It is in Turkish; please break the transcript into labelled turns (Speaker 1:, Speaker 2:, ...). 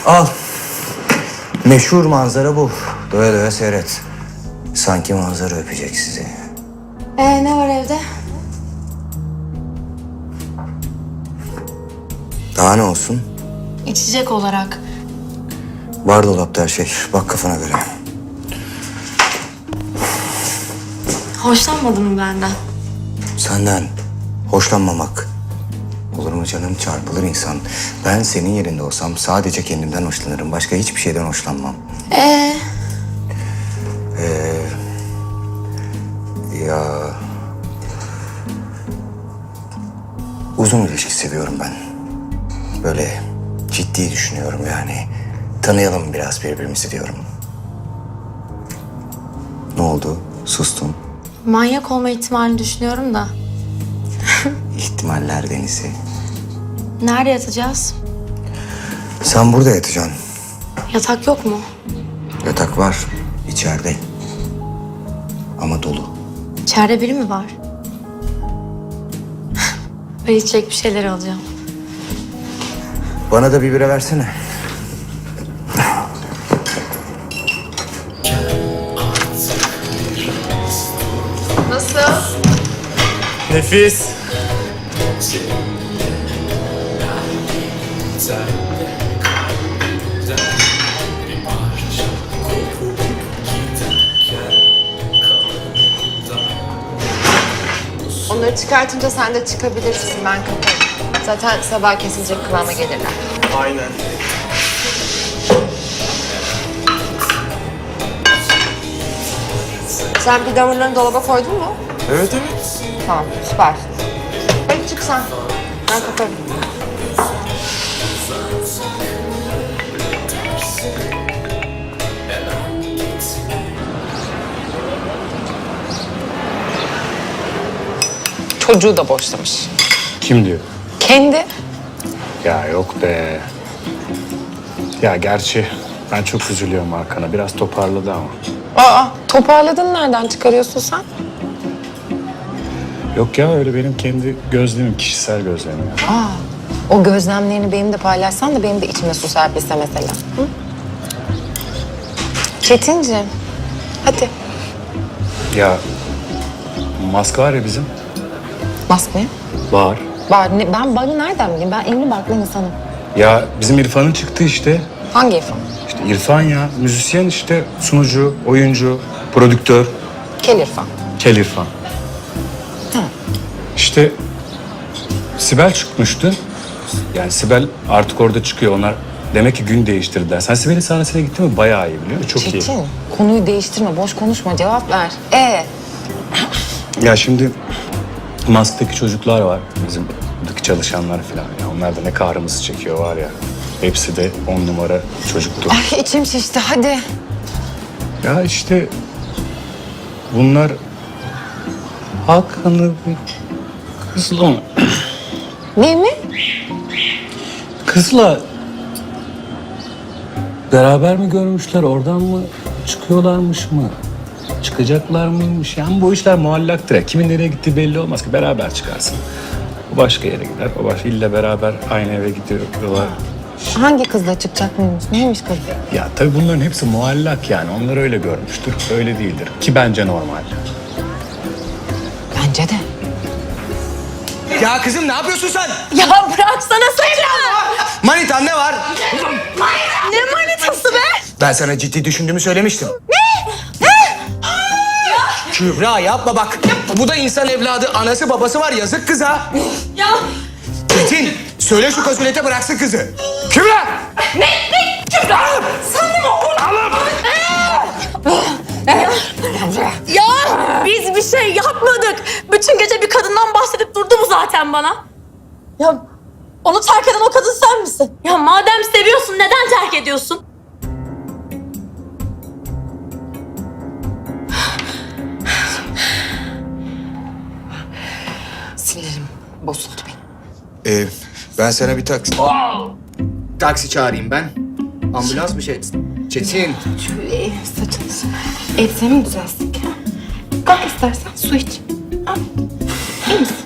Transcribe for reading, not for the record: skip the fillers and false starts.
Speaker 1: Al. Meşhur manzara bu. Doya doya seyret. Sanki manzara öpecek sizi.
Speaker 2: Ne var evde?
Speaker 1: Daha ne olsun?
Speaker 2: İçecek olarak.
Speaker 1: Var dolapta her şey. Bak kafana göre.
Speaker 2: Hoşlanmadın mı benden?
Speaker 1: Senden hoşlanmamak. Olur mu canım, çarpılır insan. Ben senin yerinde olsam sadece kendimden hoşlanırım. Başka hiçbir şeyden hoşlanmam. Ya... Uzun ilişki seviyorum ben. Böyle ciddi düşünüyorum yani. Tanıyalım biraz birbirimizi diyorum. Ne oldu? Sustun.
Speaker 2: Manyak olma ihtimalini düşünüyorum da.
Speaker 1: İhtimaller denizi.
Speaker 2: Nerede yatacağız?
Speaker 1: Sen burada yatacaksın.
Speaker 2: Yatak yok mu?
Speaker 1: Yatak var içeride. Ama dolu.
Speaker 2: İçeride biri mi var? Ben içecek bir şeyler alacağım.
Speaker 1: Bana da bir bira versene.
Speaker 2: Nasıl?
Speaker 3: Nefis.
Speaker 4: Onları çıkartınca sen de çıkabilirsin. Ben kaparım. Zaten sabah kesilecek kıvama gelirler.
Speaker 3: Aynen.
Speaker 4: Sen bir damırlarını dolaba koydun mu?
Speaker 3: Evet evet.
Speaker 4: Tamam, süper. Hadi çık sen. Ben kaparım.
Speaker 5: Çocuğu da boşlamış.
Speaker 3: Kim diyor?
Speaker 5: Kendi.
Speaker 3: Ya yok be. Ya gerçi ben çok üzülüyorum Hakan'a. Biraz toparladı ama.
Speaker 5: Aa, toparladın nereden çıkarıyorsun sen?
Speaker 3: Yok ya öyle benim kendi gözlemim, kişisel gözlemim.
Speaker 5: O gözlemlerini benimle paylaşsan da benim de içime su serpilse mesela. Hı? Çetinciğim, hadi.
Speaker 3: Ya Mask var ya bizim.
Speaker 5: Mask ne?
Speaker 3: Var.
Speaker 5: Ben bana nereden bileyim? Ben evli barklı insanım.
Speaker 3: Ya bizim İrfan'ın çıktı işte.
Speaker 5: Hangi İrfan?
Speaker 3: İşte İrfan ya. Müzisyen işte. Sunucu, oyuncu, prodüktör.
Speaker 5: Kel İrfan.
Speaker 3: Kel İrfan.
Speaker 5: Hı.
Speaker 3: İşte Sibel çıkmıştı. Yani Sibel artık orada çıkıyor. Onlar demek ki gün değiştirdiler. Sen Sibel'in sahnesine gittin mi? Bayağı iyi biliyor musun? Çok iyi.
Speaker 5: Çetin, konuyu değiştirme, boş konuşma, cevap ver.
Speaker 3: Ya şimdi Mask'taki çocuklar var. Bizim buradaki çalışanlar falan. Ya onlar da ne kahrımızı çekiyor var ya. Hepsi de 10 numara çocuktu.
Speaker 5: Ay içim şişti, hadi.
Speaker 3: Ya işte bunlar Hakan'ı bir kızla mı?
Speaker 5: Ne mi?
Speaker 3: Kızla beraber mi görmüşler, oradan mı çıkıyorlarmış mı? Çıkacaklar mıymış? Yani bu işler muallaktır ya. Kimin nereye gittiği belli olmaz ki. Beraber çıkarsın. O başka yere gider. O başka ille beraber aynı eve gidiyorlar.
Speaker 5: Hangi kızla çıkacak mıymış? Neymiş kız?
Speaker 3: Ya tabii bunların hepsi muallak yani. Onlar öyle görmüştür. Öyle değildir. Ki bence normal.
Speaker 5: Bence de.
Speaker 1: Ya kızım ne yapıyorsun sen?
Speaker 2: Ya bıraksana saçımı!
Speaker 1: Manitan ne var?
Speaker 2: Ne manitası be?
Speaker 1: Ben sana ciddi düşündüğümü söylemiştim. Ne? Kübra yapma bak. Bu da insan evladı. Anası babası var. Yazık kıza.
Speaker 2: Ya
Speaker 1: Çetin söyle şu kasulete bıraksın kızı. Kübra!
Speaker 2: Kübra! Sen de mi Ya biz bir şey yapmadık. Bütün gece bir kadından bahsedip durdu mu zaten bana? Ya onu terk eden o kadın sen misin? Ya madem seviyorsun neden terk ediyorsun?
Speaker 5: Sinirim bozuldu benim.
Speaker 1: Ben sana bir taksi çağırayım ben. Ambulans mı şey? Çetin.
Speaker 5: Saçını elbisemi mi düzelsin ki? Kalk istersen su iç. Al. İyi misin?